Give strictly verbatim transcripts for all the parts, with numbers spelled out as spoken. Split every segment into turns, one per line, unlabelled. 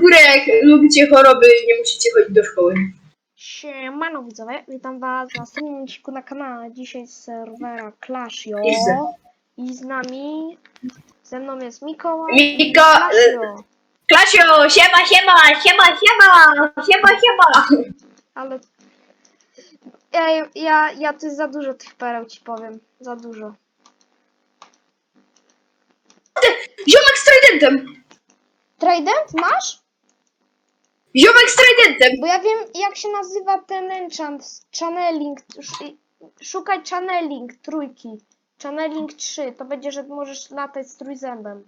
górę, jak lubicie choroby, nie musicie chodzić do szkoły.
Siemano widzowie, witam was na następnym odcinku na kanale. Dzisiaj z serwera Clashio. I z nami, ze mną jest Mikołaj i
Miko...
Clashio.
Klasio, siema, siema, siema, siema, siema, siema.
Ale ja, ja, ja tu jest za dużo tych pereł, ci powiem. Za dużo.
Ziomek z tridentem.
Trident masz?
Ziomek z tridentem.
Bo ja wiem jak się nazywa ten enchant. Channeling. sz- Szukaj channeling trójki. Channeling trzy. To będzie, że możesz latać z trójzębem.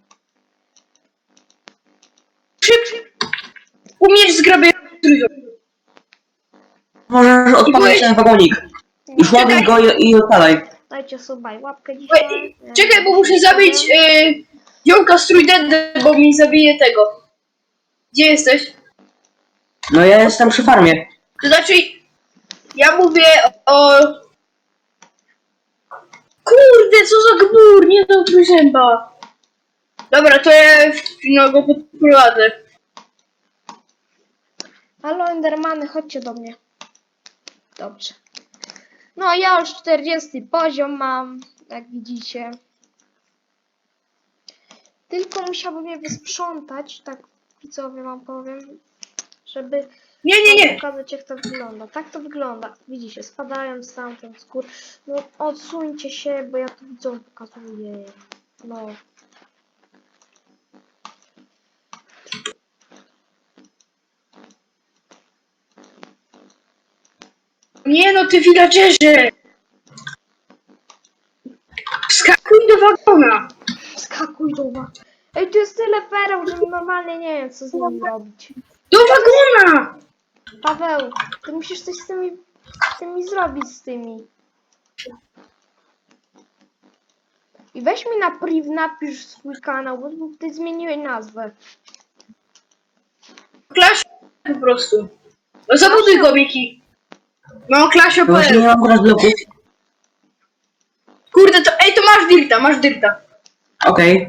Szyb. Umiesz zgrabiać trójząb.
Możesz odpalić ten wagonik. Już ładuj go i, i odpalaj.
Dajcie sobie łapkę dzisiaj.
Czekaj, bo muszę zabić y, ziomka z tridentem, bo mi zabije tego. Gdzie jesteś?
No ja jestem przy farmie.
To znaczy, ja mówię o... Kurde, co za gbur, nie do trójzęba. Dobra, to ja no, go podprowadzę.
Halo Endermany, chodźcie do mnie. Dobrze. No ja już czterdziesty poziom mam, jak widzicie. Tylko musiałbym je wysprzątać, tak widzowie wam powiem, żeby
Nie, nie, nie.
pokazać jak to wygląda. Tak to wygląda. Widzicie, spadają stamtąd z gór. No odsuńcie się, bo ja tu widzom pokazuję. No.
Nie no, ty villagerze. Wskakuj do wagona.
Skakuj do was. Ej, tu jest tyle pereł, że normalnie nie wiem co z nimi robić.
Do wagona.
Paweł, ty musisz coś z tymi, z tymi zrobić z tymi. I weź mi na priv, napisz swój kanał, bo ty zmieniłeś nazwę.
Clash po prostu. No zabuduj go, Miki. No, Clash
No właśnie nie
O P L.
mam teraz bloków.
Kurde, to ej, to masz dirta, masz dirta.
Okej.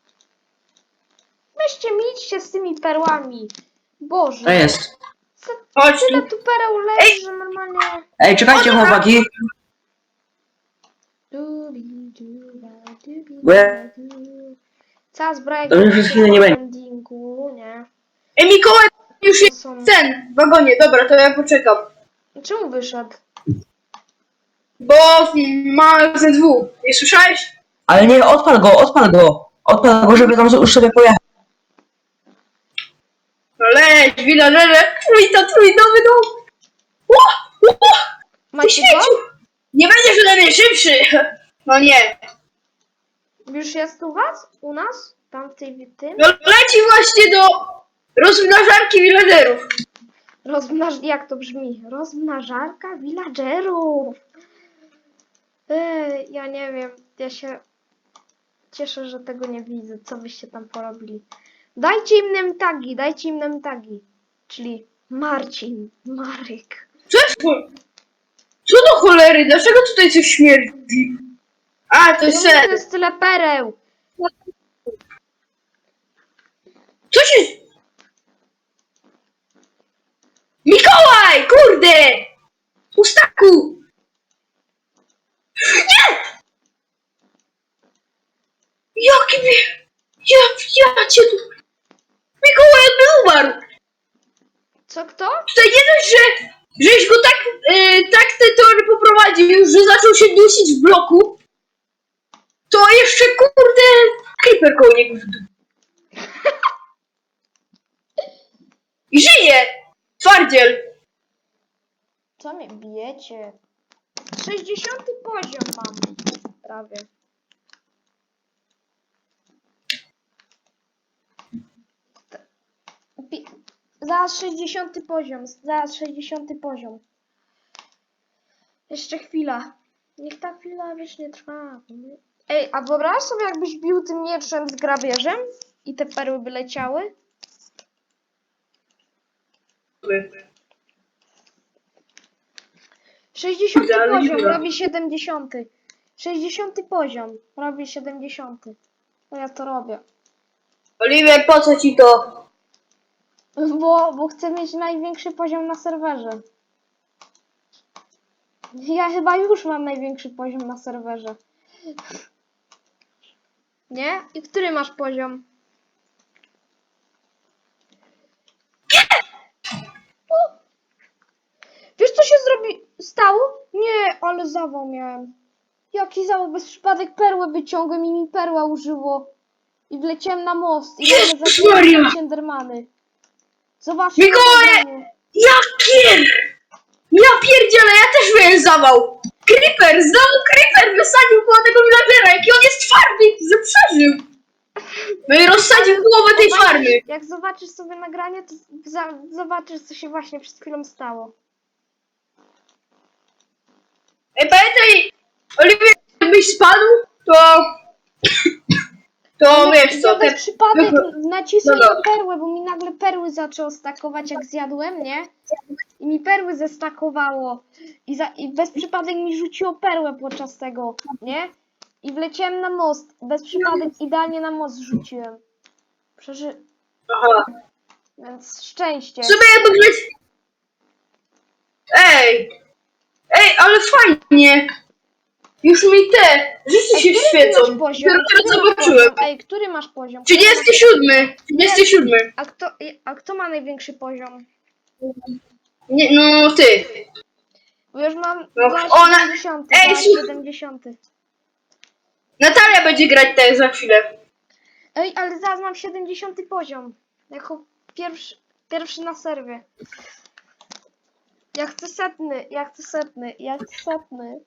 Weźcie mi idźcie z tymi perłami. Boże.
To jest.
Co,
Chodź
tyle
tu.
tu pereł leży, że normalnie...
Ej, czekajcie chłopaki.
Dubi, duba, dubi,
Bo ja-
dubi. Cała zbroja
To już przez chwilę nie będzie.
endingu, nie?
Ej, Mikołaj, już
To
jest
są...
ten w wagonie. Dobra, to ja poczekam.
Czemu wyszedł?
Bo ma ze dwóch. Nie słyszałeś?
Ale nie, odpal go, odpal go. Odpal go, żeby tam już sobie pojechać.
No leć, villagerze. Trójta, trójnowy dom. Ło, ło, ty
Macie
śmieciu.
go?
Nie będziesz ode mnie szybszy. No nie.
Już jest u was? U nas? Tam w tej tym?
No leci właśnie do rozmnażarki villagerów.
Rozmnaż... Jak to brzmi? Rozmnażarka villagerów. Ej, ja nie wiem. Ja się cieszę, że tego nie widzę. Co wyście tam porobili? Dajcie im nem tagi, dajcie im nem tagi. Czyli Marcin, Marek.
Co jest cho- Co do cholery? Dlaczego tutaj coś śmierdzi? A, to jest
Czemu tu
sen.
jest tyle pereł?
Co się... Mikołaj! Kurde! Ustaku! Nie! Jaki mi... Ja, ja cię tu... Mikołaj jakby umarł!
Co kto?
Tutaj nie dość, że... Żeś go tak... Yy, tak te tory poprowadził, że zaczął się dusić w bloku. To jeszcze kurde... Creeper koło niego w dół. I żyje! Twardziel!
Co mnie bijecie? sześćdziesiąty poziom mam. Prawie. Pi- Zaraz sześćdziesiąty poziom. Zaraz sześćdziesiąty poziom. Jeszcze chwila. Niech ta chwila wiecznie trwa. Ej, a wyobraź sobie jakbyś bił tym mieczem z grabieżem i te perły by leciały? sześćdziesiąty
Idealny
poziom
dziura.
robi siedemdziesiąty. sześćdziesiąty poziom robi siedemdziesiąty. No ja to robię.
Oliver, po co ci to?
Bo, bo chcę mieć największy poziom na serwerze. Ja chyba już mam największy poziom na serwerze. Nie? I który masz poziom? O! Wiesz co się zrobi... stało? Nie, ale zawał miałem. Jaki zawał? Bez przypadek perłę wyciągłem i mi perła użyło. I wleciałem na most. I nagle
Jezus
zaczęły
Maria!
się Endermany. Zobaczcie.
Mikołaj!
na nagraniu.
Ja pier... Ja pierdzielę, ja też miałem zawał! Creeper, znowu Creeper wysadził koło tego villagera, jaki on jest twardy, że przeżył! No i rozsadził połowę tej
Zobaczysz-
farmy.
Jak zobaczysz sobie nagranie, to za, zobaczysz, co się właśnie przed chwilą stało.
Ej, pamiętaj, Oliwier, jakbyś spadł, to... To wiesz co,
Ja bez
te...
przypadek nacisłem
Dobra.
na perłę, bo mi nagle perły zaczęło stakować, jak zjadłem, nie? I mi perły zestakowało. I, za, I bez przypadek mi rzuciło perłę podczas tego, nie? I wleciałem na most. Bez przypadek idealnie na most rzuciłem. Przeży...
Aha.
Więc szczęście.
Sobie jakby wleć... Ej! Ej, ale fajnie! Już mi te rzeczy się
Ej, który ty
świecą.
masz poziom?
Dopiero
Który masz
zobaczyłem.
poziom? Ej, który masz poziom?
trzydziesty siódmy. trzydziesty siódmy.
A kto, a kto ma największy poziom?
Nie, no ty.
Bo już mam
No,
za
ona-
siedemdziesiąty,
Ej,
za
słuch-
siedemdziesiąty.
Natalia będzie grać tak za chwilę.
Ej, ale zaraz mam siedemdziesiąty poziom. Jako pierwszy, pierwszy na serwie. Ja chcę setny, ja chcę setny, ja chcę setny.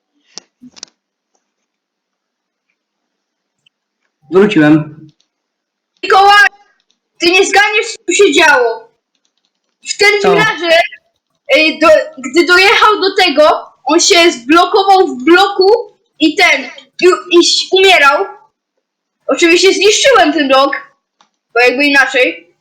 Wróciłem.
Mikołaj, ty nie zganiesz, co tu się działo. W ten
Co?
villager, ej, do, gdy dojechał do tego, on się zblokował w bloku i ten, i, i umierał. Oczywiście zniszczyłem ten blok, bo jakby inaczej.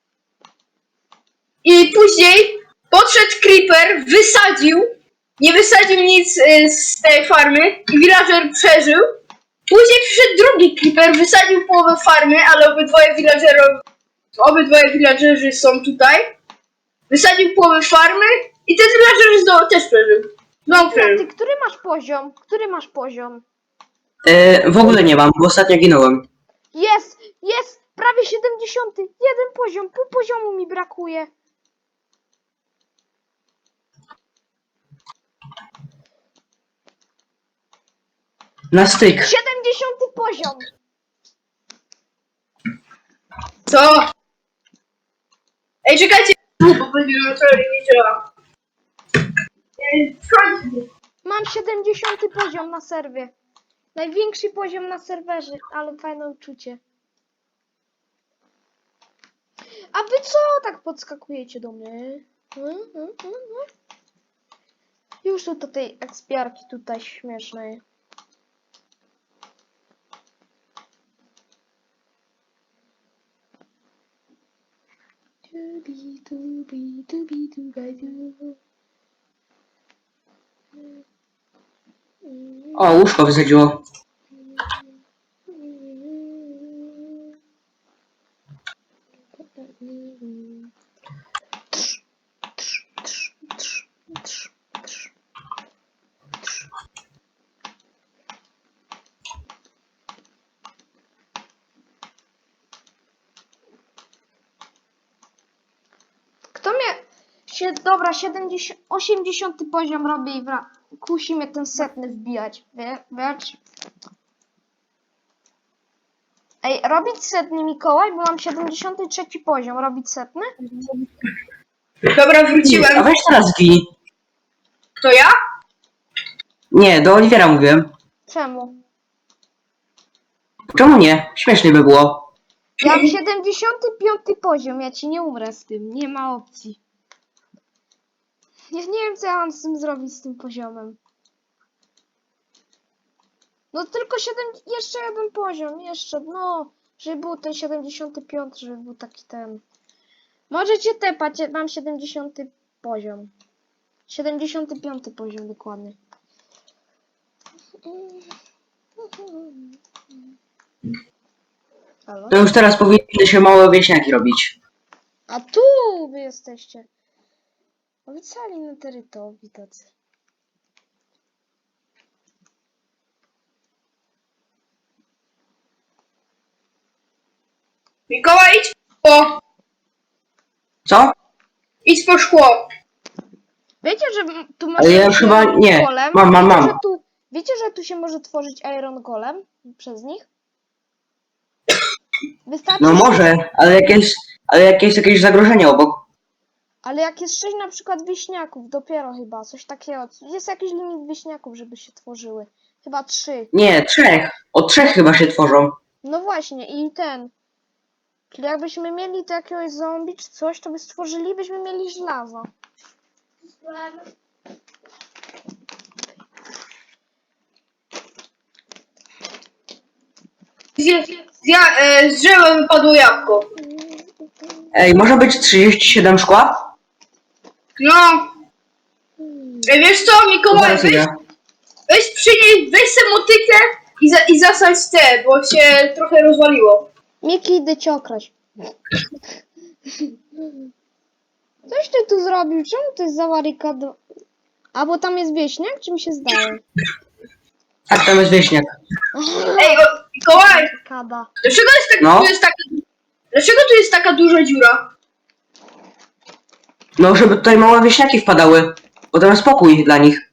I później podszedł Creeper, wysadził, nie wysadził nic y, z tej farmy i villager przeżył. Później przyszedł drugi Creeper, wysadził połowę farmy, ale obydwoje villagerów, obydwoje villagerzy są tutaj. Wysadził połowę farmy i ten villager znowu też przeżył. Znowu
A ty,
przeżył.
który masz poziom? Który masz poziom?
E, w ogóle nie mam, bo ostatnio ginąłem.
Jest, jest, prawie siedemdziesiąty. Jeden poziom, pół poziomu mi brakuje.
Na styk.
siedemdziesiąty poziom.
Co? Ej, czekajcie, bo będzie na to nie działa. Ej, skończmy.
Mam siedemdziesiąty poziom na serwie. Największy poziom na serwerze, ale fajne uczucie. A wy co tak podskakujecie do mnie? Hmm, hmm, hmm, hmm. Już tu do tej ekspiarki tutaj śmiesznej. Tubi, tubi, tubi, tubi, tubi.
O, łóżko wysadziło.
Kto mnie... Sie, dobra, siedemdziesiąt, osiemdziesiąty poziom robię i wra... kusi mnie ten setny wbijać. Wie, wiesz? Ej, robić setny Mikołaj, bo mam siedemdziesiąty trzeci poziom. Robić setny?
Dobra,
A
wróciłem.
weź teraz gij.
To ja?
Nie, do Oliwiera mówiłem.
Czemu?
Czemu nie? Śmiesznie by było.
Ja mam siedemdziesiąty piąty poziom, ja ci nie umrę z tym, nie ma opcji. Ja nie wiem, co ja mam z tym zrobić, z tym poziomem. No tylko siedem, jeszcze jeden poziom, jeszcze, no, żeby był ten siedemdziesiąty piąty, żeby był taki ten. Możecie tepać, ja mam siedemdziesiąty poziom. siedemdziesiąty piąty poziom dokładnie. Halo?
To już teraz powinny się małe wieśniaki robić.
A tu wy jesteście. A wy cali na terytorii tacy.
Mikołaj, idź po szkło.
Co?
Idź po szkło.
Wiecie, że m- tu
Ale
może
ja
być
chyba
iron
nie.
golem?
Mam, mam,
wiecie,
mam.
Że tu, wiecie, że tu się może tworzyć iron golem przez nich? Wystarczy,
No może, ale jak jest, ale jak jest jakieś zagrożenie obok.
ale jak jest sześć na przykład wieśniaków, dopiero chyba, coś takiego. Jest jakiś limit wieśniaków, żeby się tworzyły. Chyba trzy.
Nie, trzech. O trzech chyba się tworzą.
No właśnie, i ten. Czyli jakbyśmy mieli tu jakiegoś zombie czy coś, to by stworzyli, byśmy mieli żelazo.
Z, z, ja, e, z drzewa wypadło jabłko.
Ej, może być trzydzieści siedem szkła?
No. E, wiesz co, Mikołaj,
Zaraz
weź,
idę.
weź przynieś, weź se motykę i, za, i zasadź te, bo się trochę rozwaliło.
Miki, idę cię okraść. Coś ty tu zrobił? Czemu to jest zawarykado? A bo tam jest wieśniak, czy mi się zdaje?
Tak, tam jest wieśniak.
Ej, o, Mikołaj,
Kada.
dlaczego jest, tak,
No.
tu jest taka, dlaczego tu jest taka duża dziura?
No, żeby tutaj małe wieśniaki wpadały. Bo tam jest spokój dla nich.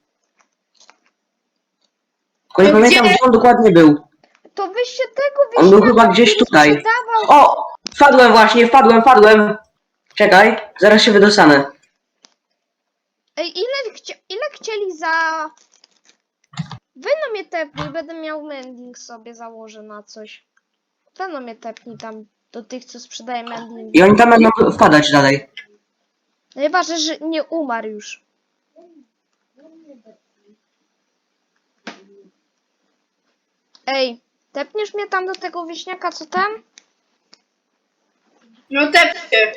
Tylko nie
To
pamiętam,
gdzie?
gdzie on dokładnie był.
To wyś się tego
On
wieśniaka,
był chyba gdzieś
który
tutaj.
sprzedawał.
O! Wpadłem właśnie, wpadłem, wpadłem. Czekaj, zaraz się wydostanę.
Ej, ile, chcia... ile chcieli za... Wy no mnie tepnij, będę miał mending sobie założę na coś. Wy no mnie tepnij tam do tych, co sprzedaje mending.
I oni tam będą wpadać dalej.
Najważniejsze, że nie umarł już. Ej, tepniesz mnie tam do tego wieśniaka, co tam?
No tepcie.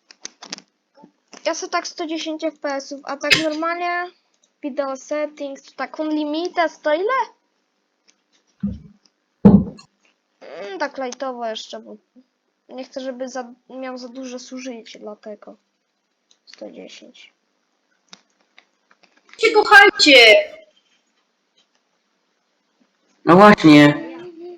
Ja sobie tak sto dziesięć F P S ów, a tak normalnie video settings, to tak unlimited, to ile? Mm, tak lightowo jeszcze, bo nie chcę, żeby za, miał za duże zużycie, dlatego sto dziesięć.
Cię kochajcie.
No właśnie.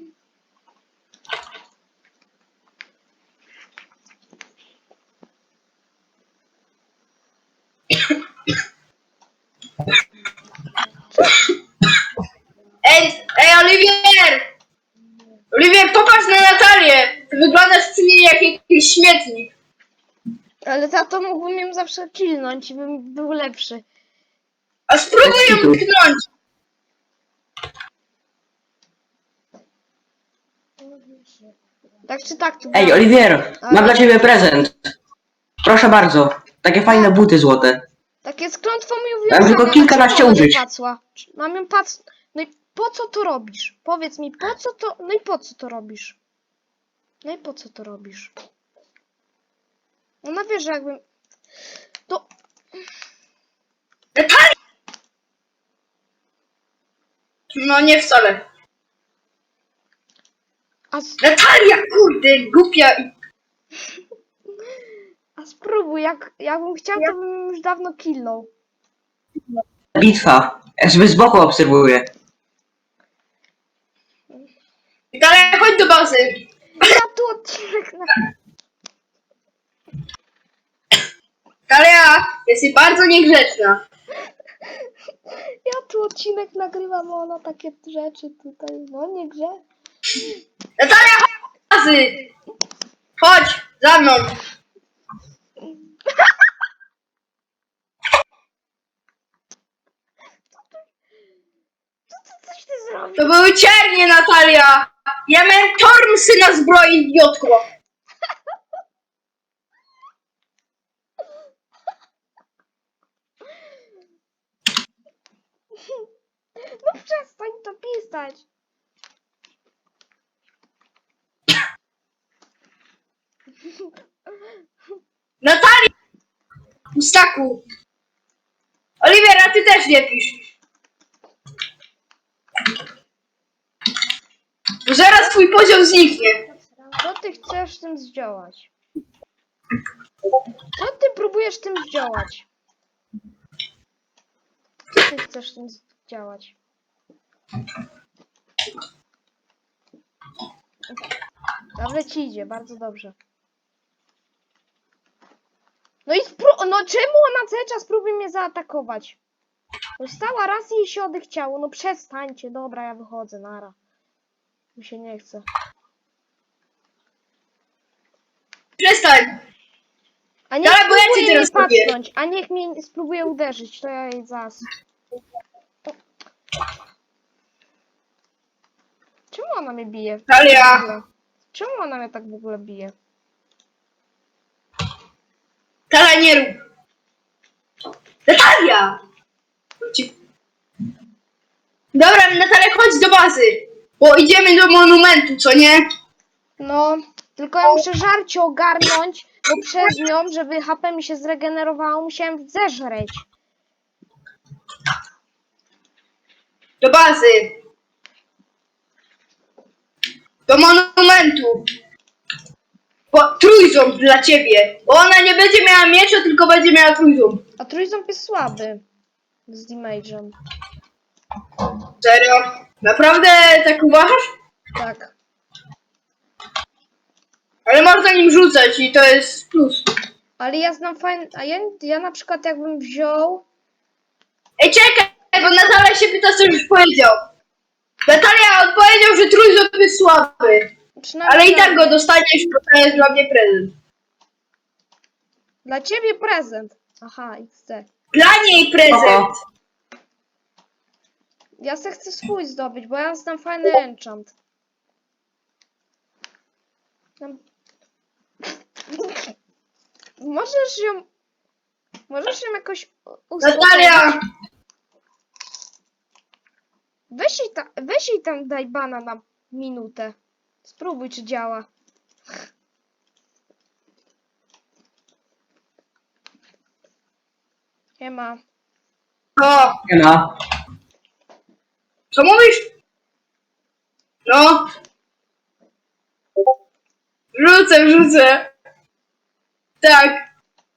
Ej, ej, Oliwier! Oliwier, popatrz na Natalię. Ty wyglądasz przy niej jak jakiś śmietnik.
Ale za to mógłbym ją zawsze killnąć i bym był lepszy.
A spróbuj ją
Bez kitu.
tknąć.
Tak czy tak tu
Ej,
gram.
Oliwier, mam dla ciebie prezent. Proszę bardzo. Takie fajne buty złote.
Takie z klątwą mi
Mam
uwiązane.
tylko kilkanaście
Dlaczego ona
użyć.
nie pacła? Mam ją pac... No i po co to robisz? Powiedz mi, po co to... No i po co to robisz? No i po co to robisz? Ona wie, że jakbym... To...
Natalia! No nie wcale.
A, s-
Natalia, kurde, głupia. i-
a spróbuj, jak, jakbym chciał, to bym już dawno killnął.
Bitwa. Ja sobie z boku obserwuję.
Natalia, chodź do bazy.
Ja tu odcinek na...
Natalia, jesteś bardzo niegrzeczna.
Ja tu odcinek nagrywam, a ona takie rzeczy tutaj... No nie grze.
Natalia, chodź do bazy. Chodź, za mną.
Co, co, coś ty zrobił?
To były ciernie, Natalia. Ja miałem tormsy na zbroi, idiotko.
No przestań to pisać.
Natalia! Pustaku. Oliwiera, ty też nie pisz. Bo zaraz twój poziom zniknie.
Co ty chcesz z tym zdziałać? Co ty próbujesz tym działać? Co ty chcesz tym działać? Dobrze ci idzie, bardzo dobrze. No i spró- no czemu ona cały czas próbuje mnie zaatakować? Dostała raz i jej się odechciało. No przestańcie, dobra, ja wychodzę, nara. Mi się nie chce.
Przestań!
A niech
Dobra, bo ja cię
spróbuje jej
teraz robię.
pacnąć, a niech mnie spróbuje uderzyć, to ja jej zas. Czemu ona mnie bije?
Natalia!
W ogóle? Czemu ona mnie tak w ogóle bije?
Natalia, nie rób! Natalia! Ci- Dobra, Natalia, chodź do bazy, bo idziemy do monumentu, co nie?
No, tylko ja muszę żarcie ogarnąć, bo przez nią, żeby H P mi się zregenerowało, musiałem zeżreć.
Do bazy. Do monumentu. Bo trójząb dla ciebie. Bo ona nie będzie miała miecza, tylko będzie miała trójząb.
A trójząb jest słaby z damage'em.
Serio? Naprawdę tak uważasz?
Tak.
Ale można nim rzucać i to jest plus.
Ale ja znam fajne... A ja, ja na przykład jakbym wziął...
Ej, czekaj, bo Natalia się pyta, co już powiedział. Natalia odpowiedział, że trójząb jest słaby.
Przynajmniej
Ale i
dla
tak go
mnie.
dostaniesz, bo to jest dla mnie prezent.
Dla ciebie prezent. Aha, X D.
Dla niej prezent.
Spoko.
Ja se chcę swój zdobyć, bo ja znam fajny enchant. Tam- Możesz ją... Możesz ją jakoś u-
Natalia!
uspokoić? Weź jej, ta, weź jej tam daj bana na minutę. Spróbuj, czy działa. Nie ma.
O,
Nie ma.
co mówisz? No. Rzucę, rzucę. Tak.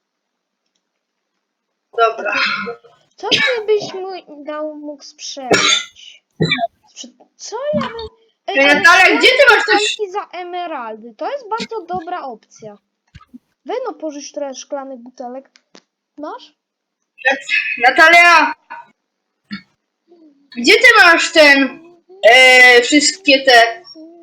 Dobra.
Co ty byś mu dał mógł sprzedać? Sprze- Co ja bym... Ej,
Ej,
ale
Natalia,
cztery
gdzie ty masz też-
butelki za emeraldy. To jest bardzo dobra opcja. Weź no pożycz trochę szklanych butelek. Masz?
Natalia! Gdzie ty masz ten... E, wszystkie te...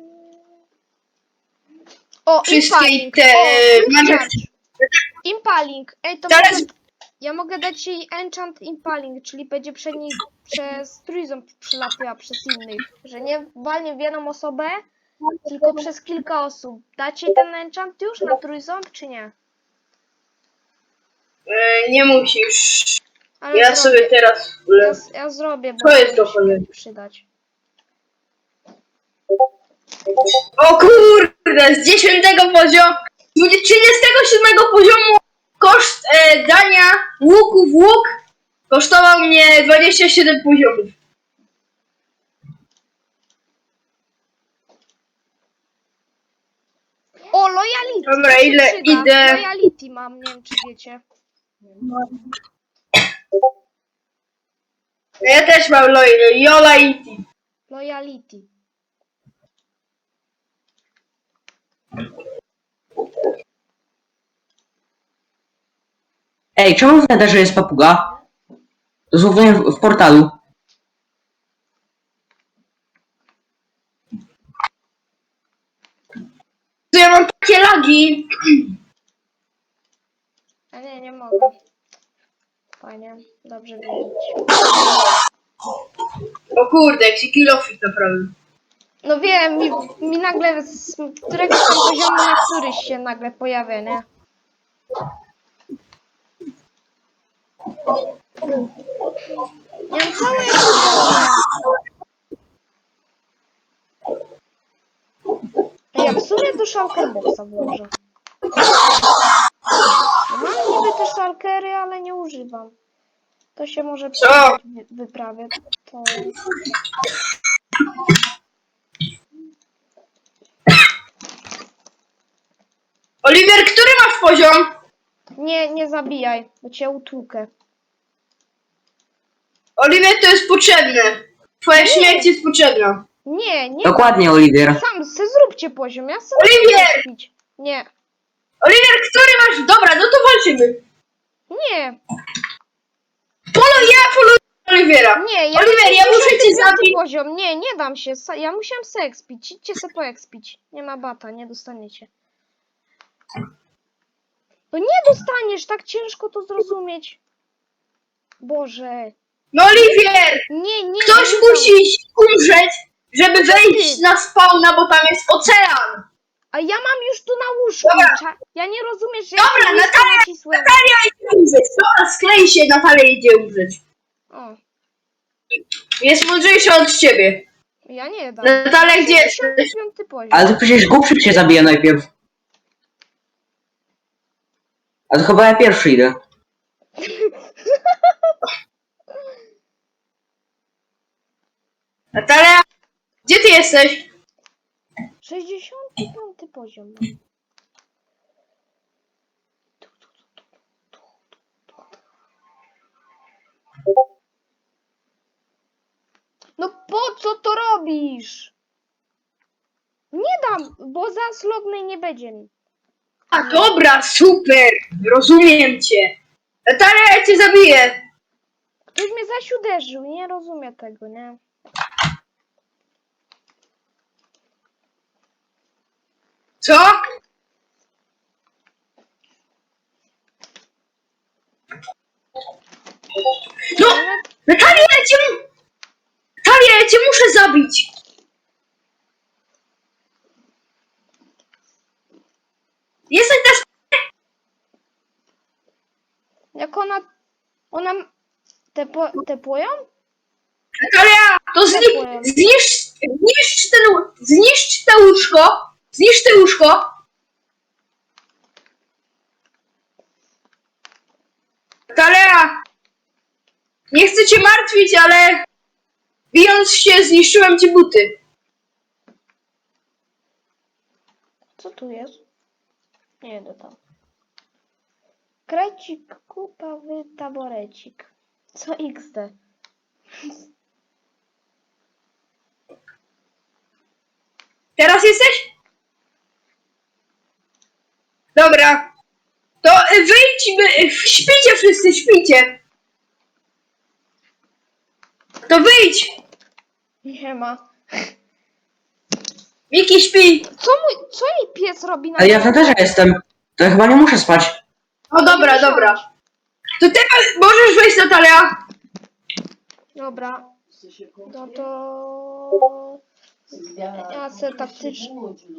O,
Wszystkie
impaling.
te,
O,
mamy-
charge. Impaling. Ej, to
Teraz-
mogę... Ja mogę dać jej enchant impaling, czyli będzie przez niej, przez trójząb przelatała przez innych. Że nie walnie w jedną osobę, tylko przez kilka osób. Dacie ten enchant już na trójząb, czy nie?
E, nie musisz.
Ale
Ja
zrobię.
sobie teraz...
Ja, ja zrobię, bo
Co jest
to
do
mi się
cholery?
przydać.
O kurde, z dziesiątego poziomu... z trzydziestego siódmego poziomu koszt e, dania łuku w łuk kosztował mnie dwadzieścia siedem poziomów.
O, loyalty!
Dobra,
to się
ile
przyda.
idę?
Loyalty mam, nie wiem czy wiecie.
Ja też mam Loy- Jola i Ti.
Loyalty.
Ej, czemu w Netherze jest papuga? Dosłownie w, w portalu.
To ja mam takie lagi.
A nie, nie mogę. Fajnie, dobrze wiedzieć.
O kurde, jak się kilofit naprawdę.
No wiem, mi, mi nagle z któregoś tam poziomu na któryś się nagle pojawia, nie? Ja mam całe poziomy. Ej, ja w sumie do shulkerboxa włożę. No mam niby te shulkery, ale nie używam. To się może
Co?
przydać w wyprawie. To...
Oliwier, który masz poziom?
Nie, nie zabijaj, bo cię utłukę.
Oliwier, to jest potrzebne. Twoja śmierć jest potrzebna.
Nie, nie.
Dokładnie, Oliwier.
Sam se zróbcie poziom, ja sobie
Oliwier!
chcę pić. Nie,
Oliwier, który masz? Dobra, no to walczymy.
nie,
Polo, ja poluję Oliwiera.
nie, ja
Oliwier, ja muszę cię
piąty
zabić.
poziom, nie, nie dam się, sa- ja musiałem se expić, idźcie se po expić. Nie ma bata, nie dostaniecie. No nie dostaniesz, tak ciężko to zrozumieć. Boże.
No Oliwier,
Nie, nie.
ktoś
nie
musi umrzeć, żeby wejść
ty.
na spawna, bo tam jest ocean.
A ja mam już tu na łóżku.
Dobra.
Cza- Ja nie rozumiesz, że
Dobra,
ja tu listę
Natalia,
nacisłem.
Natalia idzie umrzeć. Dobra, sklej się, Natalia idzie umrzeć.
O,
Jest mądrzejsza od ciebie.
ja nie dam.
Natalia, gdzie jesteś?
sześćdziesiąty piąty poziom.
Ale to przecież głupszy się zabije najpierw. A to chyba ja pierwszy idę.
Natalia, gdzie ty jesteś?
sześćdziesiąty piąty poziom. mam. No po co to robisz? Nie dam, bo zaraz lognej nie będzie mi.
A dobra, super, rozumiem cię. Natalia, ja cię zabiję.
Ktoś mnie zaś uderzył, nie rozumiem tego, nie?
Co? No,
Ale
Natalia, ja cię... Natalia, ja cię muszę zabić. Jesteś na...
jak ona... Ona... Tepo, tepują?
Natalia, to zni... zniszcz... Zniszcz ten... Zniszcz te łóżko. Zniszcz te łóżko. Natalia, nie chcę cię martwić, ale... Bijąc się, zniszczyłem ci buty.
Co tu jest? Nie idę tam. Krecik, kupawy taborecik. Co iks de?
Teraz jesteś? Dobra. To y, wyjdźmy. y, Śpijcie wszyscy, śpijcie. To wyjdź.
Nie ma.
Miki, śpi.
Co mój... Co jej pies robi na
Ale ja w też jestem. To ja chyba nie muszę spać.
O dobra, dobra. To teraz możesz wejść, Natalia.
Dobra. No to... Ja se taktycznie...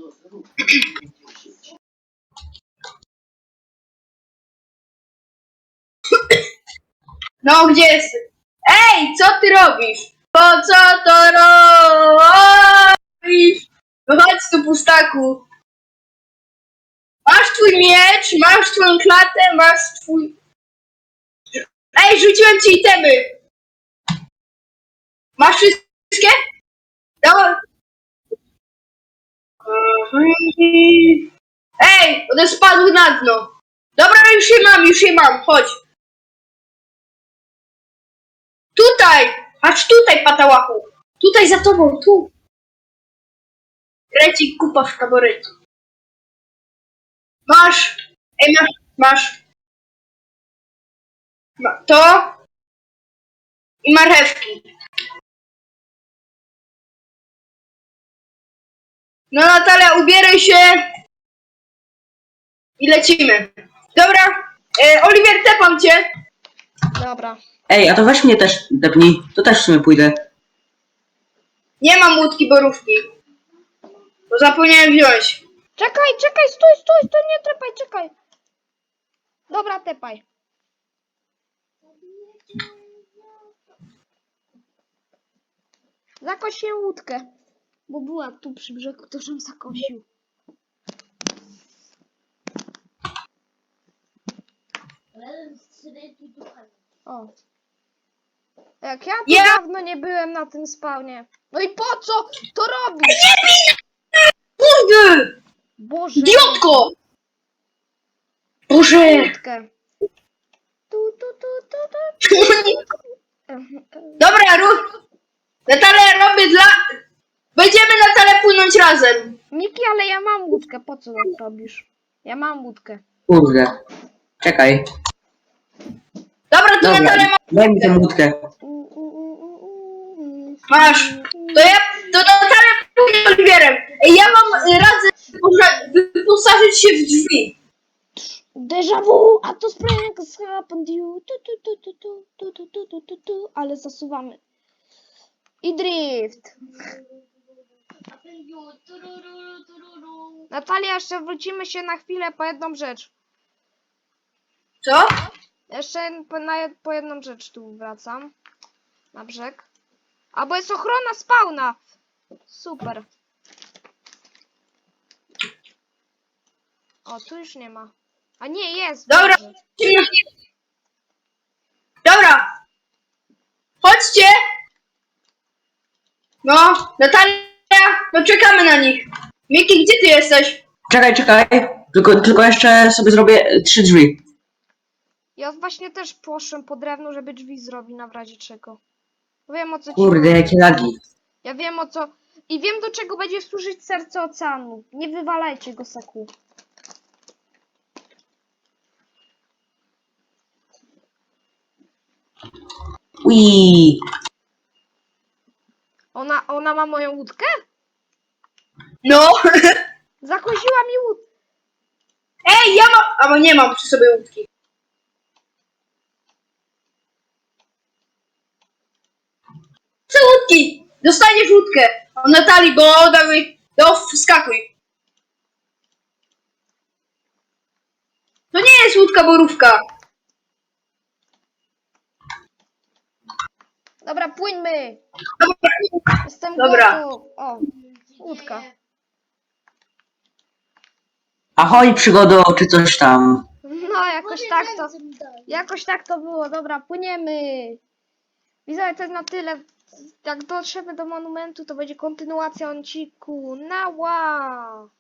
No, gdzie jesteś? Ej, co ty robisz? Po co to robisz? No chodź tu, pustaku. Masz twój miecz, masz twoją klatę, masz twój... Ej, rzuciłem ci itemy. Masz wszystkie? No. Ej, one spadły na dno. Dobra, już je mam, już je mam, chodź. Tutaj! Patrz tutaj, patałachu! Tutaj za tobą, tu! Krecik, kupa w taborecie. Masz! Ej, masz, masz. Ma, to i marchewki. No Natalia, ubieraj się i lecimy. Dobra, e, Oliwier, tepam cię.
Dobra.
Ej, a to weź mnie też depnij. To też w sumie pójdę.
Nie mam łódki borówki. Bo zapomniałem wziąć.
Czekaj, czekaj, stój, stój, stój, nie trepaj, czekaj. Dobra, tepaj. Zakosię łódkę. Bo była tu przy brzegu, to żem zakosił. O. Jak ja tu
Ja-
dawno nie byłem na tym spawnie. No i po co to robisz?
Kurde!
Boże.
Idiotko! Boże,
Boże!
łódkę. Tu, tu, tu, tu, tu.
Dobra, ruch. Natalia, robię dla... Będziemy, Natalia, płynąć razem.
Miki, ale ja mam łódkę, po co tak robisz? Ja mam łódkę.
Kurde. Czekaj.
Dobra, to
Dobra,
Natalia ma...
daj mi tę łódkę.
Masz. To ja... To Natalia płynie Oliwierem. Ej, ja wam y, radzę wyposa- wyposażyć się w drzwi.
Déjà vu, a to springs happened you. Tu, tu, tu, tu, tu, tu, tu, tu, tu, tu, tu. Ale zasuwamy. I drift. Natalia, jeszcze wrócimy się na chwilę po jedną rzecz.
Co?
Jeszcze po, na, jed- po jedną rzecz tu wracam. Na brzeg. A bo jest ochrona spawna. Super. O, tu już nie ma. A nie, jest.
Dobra.
Boże.
Dobra. Chodźcie. No, Natalia, no czekamy na nich. Miki, gdzie ty jesteś?
Czekaj, czekaj. Tylko, tylko jeszcze sobie zrobię trzy drzwi.
Ja właśnie też poszłem po drewno, żeby drzwi zrobić na w razie czego. Wiem o co ci
Kurde,
chodzi.
jakie lagi.
Ja wiem o co... I wiem do czego będzie służyć serce oceanu. Nie wywalajcie go, Saku.
Ui.
Ona, ona ma moją łódkę?
No.
Zakoziła mi łódkę.
Ej, ja mam... Albo nie mam przy sobie łódki. Chcę łódki. Dostaniesz łódkę. O Natalii, bo dawaj... No, wskakuj. To nie jest łódka borówka.
Dobra, płyńmy.
Dobra.
Jestem
Dobra.
gotów. O, łódka.
Ahoj, przygodo, czy coś tam.
No, jakoś tak to... Jakoś tak to było. Dobra, płyniemy. Widzowie, to jest na tyle. Jak dotrzemy do monumentu, to będzie kontynuacja odcinku. Na wow!